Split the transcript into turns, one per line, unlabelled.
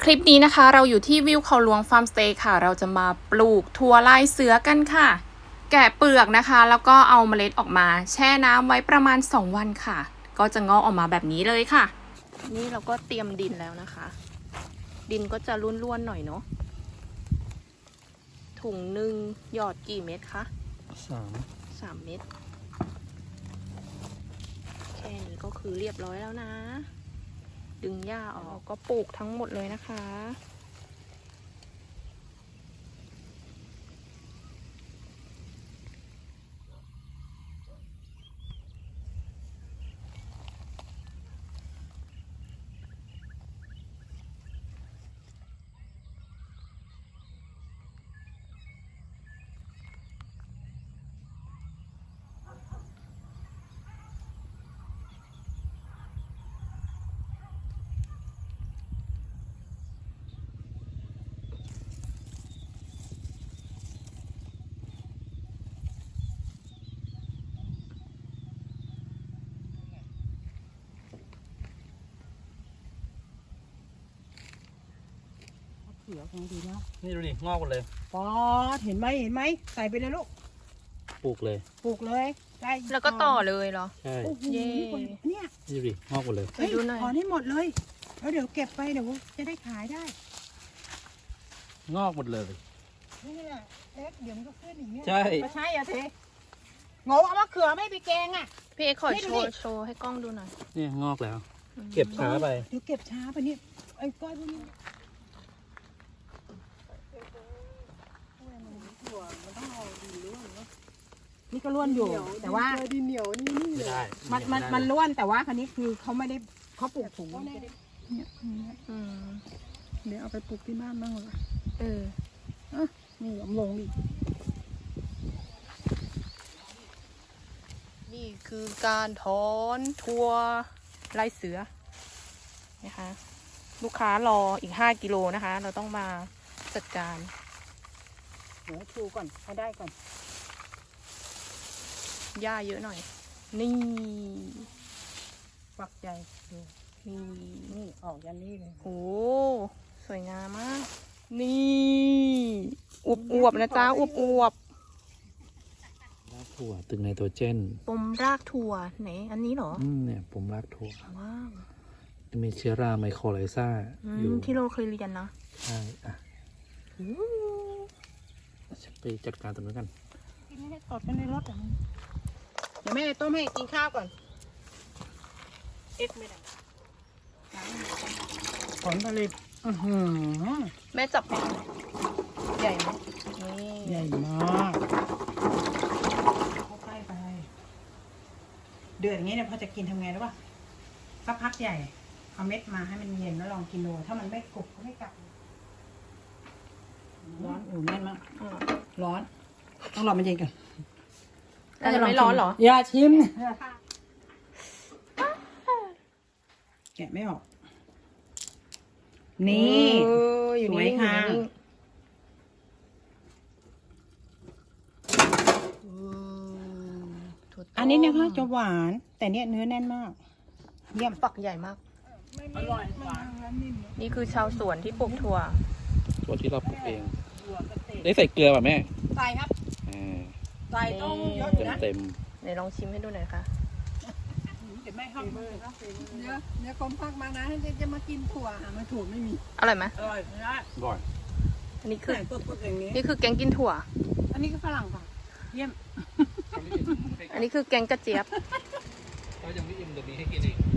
ลิปนี้นะคะเราอยู่ที่วิวเขาหลวงฟาร์มสเตย์ค่ะเราจะมาปลูกถั่วลายเสือกันค่ะ แกะเปลือกนะคะแล้วก็เอาเมล็ดออกมาแช่น้ำไว้ประมาณ2วันค่ะก็จะงอกออกมาแบบนี้เลยค่ะนี่เราก็เตรียมดินแล้วนะคะดินก็จะร่วนๆหน่อยเนาะถุงหนึ่งหยอดกี่เม็ดคะ3 เม็ดแค่นี้ก็คือเรียบร้อยแล้วนะดึงหญ้าออกก็ปลูกทั้งหมดเลยนะคะ
เขียวของดีนะ
นี่ดูดิงอกหมดเลย
ป๊อดเห็นไหมใส่ไปเลยลูก
ปลูกเลย
ได้
แล้วก็ต่อเลยเหรอ
ใช่
เย่
เนี่ย
นี่ดูดิงอกหมดเลย
ไปดูหน่อย
ถอนให้หมดเลยแล้วเดี๋ยวเก็บไปเดี๋ยวจะได้ขายได้
งอกหมดเลย
นี่แหละเล็กเดี๋ยวมันก็ขึ้นอย่างเงี้ย
ใช่
ไม่ใช่อะเทงงเอามะเขือไม่ไปแกงอ่ะ
พี่เอ็กขอโชว์ให้กล้องดูหน่อย
นี่งอกแล้วเก็บช้าไป
เดี๋ยวเก็บช้าไปเนี่ยไอ้ก้อยพวกนี้นี่ก็ล้วนอยู่แต่ว่า
ดินเหนียวนี่
ไม่ได้
มันล้วนแต่ว่าคันนี้คือเขาไม่ได้เขาปลูกถุง
เนี่ยเดี๋ยวเอาไปปลูกที่บ้านบ้างเหรอนี่ผมลงดิ
นี่คือการถอนถั่วลายเสือนะคะลูกค้ารออีก5 กิโลนะคะเราต้องมาจัดการ
เดี๋ยวชูก่อนให้ได้ก่อน
หญ้าเยอะหน่อยนี่
ฝักใหญ่ดูนี่ออกยันนี่เลย
โอ้สวยงามมากนี่อวบนะจ๊ะอวบ
รากถั่วตึงไนโตรเจน
ปมรากถั่วไหนอันนี้เหรอ
เนี่ยปมรากถั่ว
ว้าว
มีเชื้อราไมโครไลซ่าอยู่
ที่เราเคยเรียนนะ
ใช่ไปจัดการตรงนั้นกัน
กินไม่ได้ตดกันในรถเดี๋ยวแม่ต้มให้กินข้าวก่อนไม่ได้ผลผลิต
แม่จับใหญ่ไหม
นี่ใหญ่มากเข้าใกล้ไปเดือดอย่างนี้เนี่ยพอจะกินทำไงรู้ป่ะสักพักใหญ่เอาเม็ดมาให้มันเย็นแล้วลองกินดูถ้ามันไม่กรุบก็ไม่กลับร้อนแน่นมากร้อนต้องรอมันเย็นกัน
จะไม่ร้อนเหรอ
อย่าชิมแกะไม่ออกนี่สวยค่ะอันนี้นะคะจะหวานแต่เนี้ยเนื้อแน่นมากเยี่ยม
ฝักใหญ่มาก
อร่อย
นี่คือชาวสวนที่ปลูกถั่ว
ที่เราปลูกเองได้ใส่เกลือป่ะแม่
ใส่ครับใส่ต้องเยอะอยู่นะ
เต็ม
ไหนลองชิมให้ดูหน่อยค่ะ
เดี๋ยวแม่ห้ามเ
ดี๋ยวกรมภาคมานะจะมากินถั่วมาถั่วไม่มี
อร่อยไหม
อร่อยนะ
อร่อย
อันนี้คือแกงกินถั่ว
อันนี้ก็ฝรั่งค่ะเยี่ยม
อันนี้คือแกงกระเจี๊ยบ
เรายังไม่อิ่มเดี๋ยวมีให้กินอีก